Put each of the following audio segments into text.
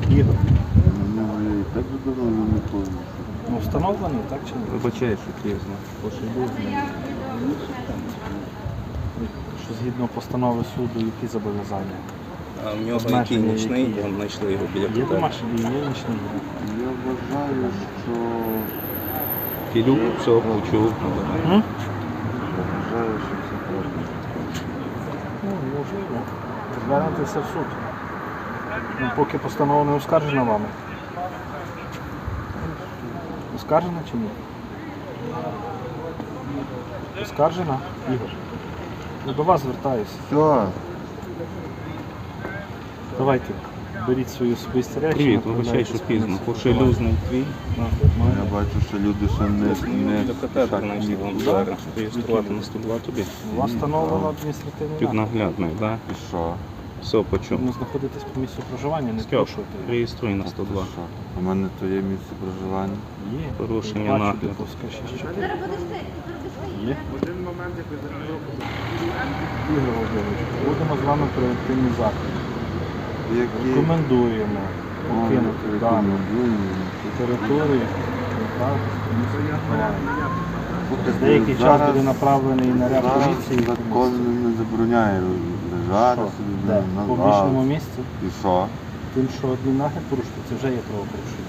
Ігор. Так же давно не помню. Ну, встановлений, так чи ні? Вибачаю, що пізно. Пошибузний. Що згідно постанови суду, які зобов'язання? А в нього Обмеження який нічний, які є? там знайшли його біля Є котелу. домашній і є нічний. Я вважаю, що... Філюк все почув. М? Я вважаю, що це правда. Ну, можливо. Звернутися в суд. Ну, поки постанова не оскаржена вами. Оскаржена чи ні? Оскаржена, Ігор? Я до вас звертаюся. Все. Давайте, беріть свої особисті речі. Привіт, вибачай, направляйтесь що в пізно. комісію. Пошилюзний твій. Я бачу, що люди ще не... Для катетер знайшли вам зараз. Реєструвати на 102 тобі. У вас встановлено адміністративний нагляд. Піднаглядний, так? І що? Все почув. Ви знаходитесь в місці проживання, не Стьоп, порушуйте. реєструй на 102. Що? У мене то є місце проживання. Є. Порушення Бачу, нагляду. Диповська 6-4. Є. Ігор Володимирович, будемо з вами превентивні заходи. Які... Рекомендуємо покинути дану Рекомендуємо. територію. Слухайте, Деякий час зараз- буде направлений наряд зараз поліції. закон не забороняє лежати Що? собі Де? на В публічному лавці. місці. І що? Тим, що адміннагляд порушити, це вже є правопорушення.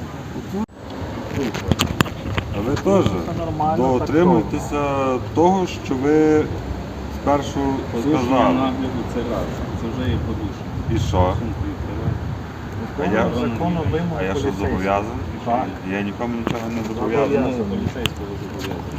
А ви теж Це нормально, дотримуйтеся того, що ви спершу сказали. нагляду це раз. Це вже є порушення. І що? А я, Закону вимог а я що поліцейських. зобов'язаний? Так. Я нікому нічого не зобов'язаний. Зобов'язаний. Поліцейського зобов'язання.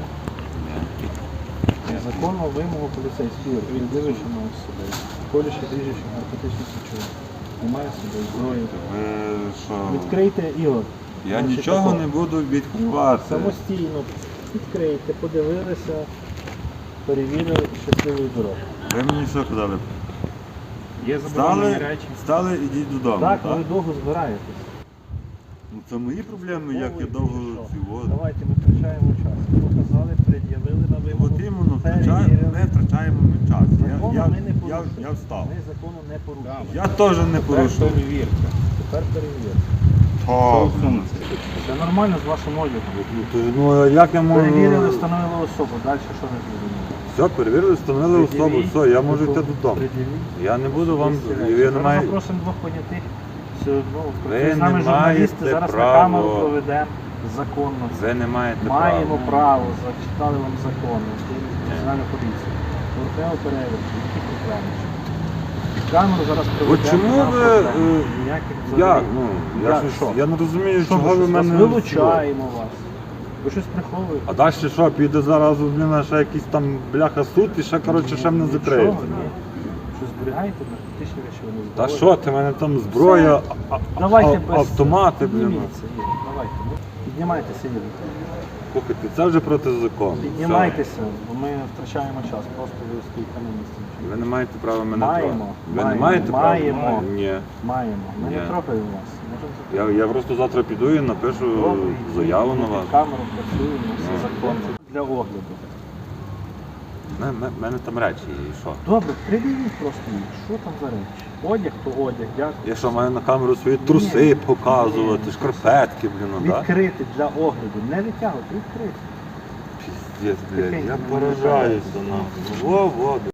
Законну вимогу поліцейських, віддививши на себе, колючи, ріжучи наркотичних речовин. Немає себе зброї. Ви що? Відкрийте, Ігор. Я Значить, нічого тако. не буду відкривати. Самостійно відкрийте, подивилися, перевірили щасливої дороги. Ви мені що казали? Є заборонені Стали, речі. стали ідіть додому, Так, так? ви довго збираєтесь. Ну, це мої проблеми, як я Ой, довго що? цього. Давайте ми втрачаємо час. Показали, пред'явили на вимогу. От іменно, перевірили. ми втрачаємо ми час. Закону ми не порушуємо. Я встав. Ми закону не порушуємо. Я теж не порушую. Тепер перевірте. О, Це нормально з вашим одягом. ну а як я Перевірили, можу... встановили особу. Далі що не зрозуміло? Все, перевірили, встановили особу, все, я можу йти додому. Пред'явіть. Я не буду вам... Зараз Я не маю... запросимо двох понятих. Все одно. Ви З нами не журналісти, маєте зараз на права. камеру проведемо законно. Ви не маєте Маємо права. право, зачитали вам закон, національну поліцію. Поверхнево перевірку, які проблеми. Камеру зараз проведемо. От чому нема ви... проблем. Ніяких взагалі. Як? Ну, я, Як, щось, що? я не розумію, Що чого ви щось? мене... Вас вилучаємо вас. Ви щось приховуєте. А далі що, піде зараз у мене ще якийсь там бляха суд і ще, коротше, ще мене закриють. Нічого, ні. Що зберігаєте наркотичні речовини? Та зброю? що ти, в мене там зброя, Давайте без... автомати, блін. Підніміться, Ігор, давайте. Ну, піднімайтеся, Ігор. Слухайте, це вже проти закону. Піднімайтеся, бо ми втрачаємо час. Просто ви стоїте на місці. Все. Ви не маєте права мене Маємо, трогати. Ви не маємо, маєте права? маємо. Ні. Маємо. Ми Ні. не трогаємо вас. Можемо Я просто завтра піду і напишу заяву на вас. Камеру працюємо, все Ну. законно. Для огляду. У мене там речі є, і що? Добре, придивіть просто їх. Що там за речі? Одяг, то одяг, дякую. Я що, маю на камеру свої труси показувати, шкарпетки, блін, ну, да? Відкрити для огляду. Не витягувати, відкрити. Піздець, блядь, я поражаюся нахуй. Во.